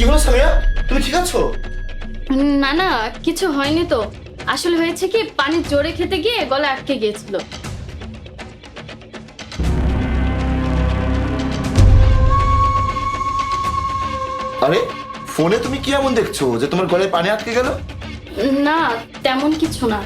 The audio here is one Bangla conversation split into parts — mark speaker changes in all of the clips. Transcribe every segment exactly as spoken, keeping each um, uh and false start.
Speaker 1: হলো সামিয়া, তুমি ঠিক আছো?
Speaker 2: না না, কিছু হয়নি তো। আসলে হয়েছে কি, পানি জোরে খেতে গিয়ে গলা আটকে গিয়েছিল।
Speaker 1: আরে ফোনে তুমি কি এমন দেখছো যে তোমার গলায় পানি আটকে গেল?
Speaker 2: না, তেমন কিছু না।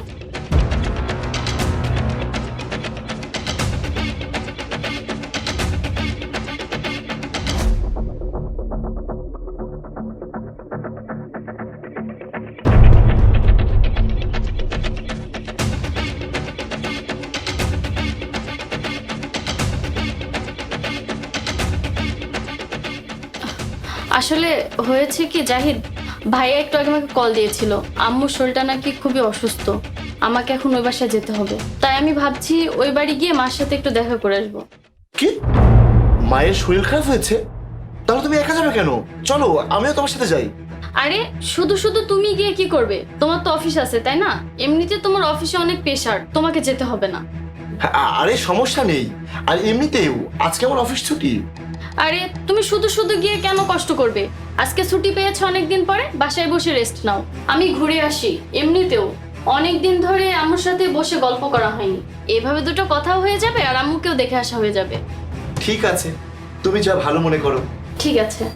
Speaker 2: আসলে হয়েছে কি জাহিদ, ভাইয়া একটু আগে আমাকে কল দিয়েছিল, আম্মুর শরীরটা নাকি খুবই অসুস্থ, আমাকে এখন ওই বাসায় যেতে হবে। তাই আমি ভাবছি ওই বাড়ি গিয়ে মার সাথে একটু দেখা করে আসবো।
Speaker 1: কি, মায়ের শরীর খারাপ হয়েছে? তাহলে তুমি একা যাবে কেন? চলো আমিও তোমার সাথে যাই।
Speaker 2: আরে শুধু শুধু তুমি গিয়ে কি করবে? তোমার তো অফিস আছে তাই না? এমনিতে তোমার অফিসে অনেক প্রেশার, তোমাকে যেতে হবে না।
Speaker 1: আ- আরে সমস্যা নেই, আর এমনিতেও আজকে আমার অফিস ছুটি।
Speaker 2: আরে তুমি শুধু শুধু গিয়ে কেন কষ্ট করবে? আজকে ছুটি পেয়েছো অনেকদিন পরে, বাসায় বসে রেস্ট নাও। আমি ঘুরে আসি। এমনিতেও অনেকদিন ধরে আম্মুর সাথে বসে গল্প করা হয়নি, এভাবে দুটো কথাও হয়ে যাবে আর আম্মুকেও দেখে আসা হয়ে যাবে।
Speaker 1: ঠিক আছে, তুমি যা ভালো মনে করো।
Speaker 2: ঠিক আছে।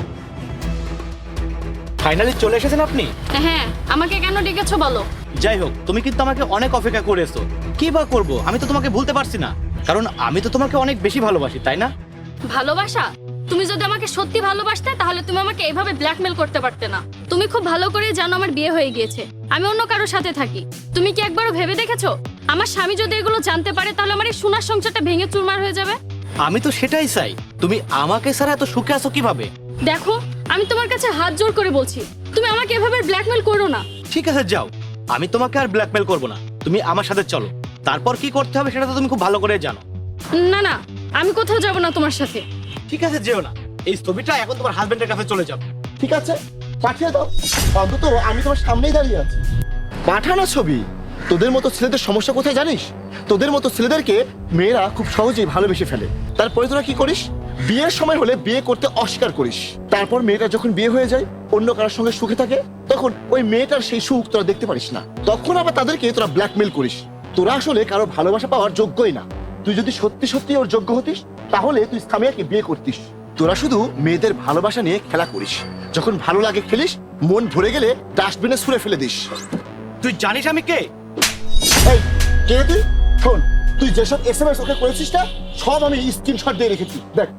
Speaker 3: ফাইনালি চলে এসেছেন আপনি?
Speaker 2: হ্যাঁ, আমাকে কেন ডেকেছো বলো?
Speaker 3: যাই হোক, তুমি কিন্তু আমাকে অনেক অপেক্ষা করেছো। কি বা করবো, আমি তো তোমাকে ভুলতে পারছি না, কারণ আমি তো তোমাকে অনেক বেশি ভালোবাসি, তাই না?
Speaker 2: ভালোবাসা? তুমি যদি আমাকে সত্যি ভালোবাসতে তাহলে তুমি আমাকে এভাবে ব্ল্যাকমেল করতে পারতে না। তুমি খুব ভালো করে জানো আমার বিয়ে হয়ে গিয়েছে, আমি অন্য কারোর সাথে থাকি। তুমি কি একবারও ভেবে দেখেছো আমার স্বামী যদি এগুলো জানতে পারে তাহলে আমার এই সোনার সংসারটা ভেঙে চুরমার হয়ে যাবে?
Speaker 3: আমি তো সেটাই চাই। তুমি আমাকে ছাড়া এত সুখে আছো কিভাবে?
Speaker 2: দেখো, আমি তোমার কাছে হাত জোর করে বলছি, তুমি আমাকে এভাবে ব্ল্যাকমেল করো না।
Speaker 3: ঠিক আছে যাও, আমি তোমাকে আর ব্ল্যাকমেল করবো না। তুমি আমার সাথে চলো, তারপর কি করতে হবে সেটা তো তুমি খুব ভালো করে জানো।
Speaker 2: না না, আমি কোথাও যাব না তোমার সাথে।
Speaker 3: ঠিক আছে যেও না, এই ছবিটা এখন তোমার হাজবেন্ডের কাছে চলে যাবে।
Speaker 1: ঠিক আছে, পাঠিয়ে দাও, অন্তত আমি তোমার সামনেই দাঁড়িয়ে আছি। পাঠানো ছবি। তোদের মতো ছেলেদের সমস্যা কোথায় জানিস? তোদের মতো ছেলেদেরকে মেয়েরা খুব সহজেই ভালোবেসে ফেলে। তারপরে তোরা কি করিস? বিয়ের সময় হলে বিয়ে করতে অস্বীকার করিস। তারপর মেয়েটা যখন বিয়ে হয়ে যায়, অন্য কারোর সঙ্গে সুখে থাকে, তখন ওই মেয়েটার সেই সুখ তোরা দেখতে পারিস না। তখন আবার তাদেরকে তোরা ব্ল্যাকমেল করিস। তোরা আসলে কারো ভালোবাসা পাওয়ার যোগ্যই না। তুই যদি সত্যি সত্যি ওর যোগ্য হতিস তাহলে তুই সামিয়াকে বিয়ে করতিস। তোরা শুধু মেয়েদের ভালোবাসা নিয়ে খেলা করিস। যখন ভালো লাগে খেলিস, মন ভরে গেলে ডাস্টবিনে ছুঁড়ে ফেলে দিস।
Speaker 3: তুই জানিস আমি কে?
Speaker 1: এই কে তুই? শোন, তুই যেসব এসএমএস ওকে করেছিস না, সব আমি স্ক্রিনশট দিয়ে রেখেছি, দেখ।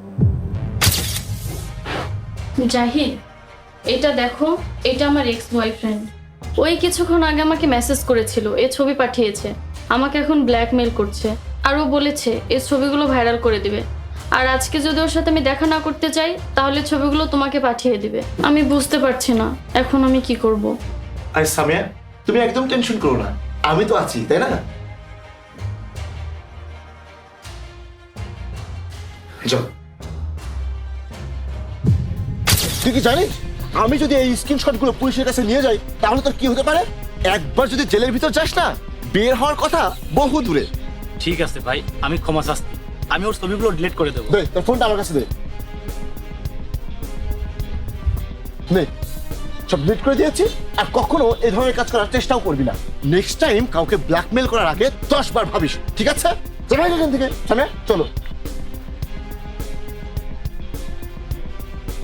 Speaker 2: জাহিদ, এটা দেখো, এটা আমার এক্স বয়ফ্রেন্ড। ওই কিছুক্ষণ আগে আমাকে মেসেজ করেছিল, এ ছবি পাঠিয়েছে, আমাকে এখন ব্ল্যাকমেল করছে। আর ও বলেছে এই ছবিগুলো ভাইরাল করে দিবে। আর আজকে যদি ওর সাথে আমি দেখা না করতে চাই তাহলে ছবিগুলো তোমাকে পাঠিয়ে দিবে। আমি বুঝতে পারছি না এখন আমি কি করব।
Speaker 1: আরে সামিয়া, তুমি একদম টেনশন করো না, আমি তো আছি, তাই না? যাও। তুই কি জানিস আমি যদি এই স্ক্রিনশট গুলো পুলিশের কাছে নিয়ে যাই তাহলে তোর কি হতে পারে? একবার যদি জেলের ভিতর যাস না, বের হওয়ার কথা বহু দূরে।
Speaker 3: ঠিক আছে ভাই, আমি ক্ষমা চাচ্ছি, আমি ওর ছবিগুলো ডিলিট করে দেবো।
Speaker 1: দে তোর ফোনটা আমার কাছে দে। নে, সব ডিলিট করে দিয়েছি। আর কখনো এই ধরনের কাজ করার চেষ্টাও করবি না। নেক্সট টাইম কাউকে ব্ল্যাকমেল করার আগে দশ বার ভাবিস, ঠিক আছে? চলো এখান থেকে, চলো।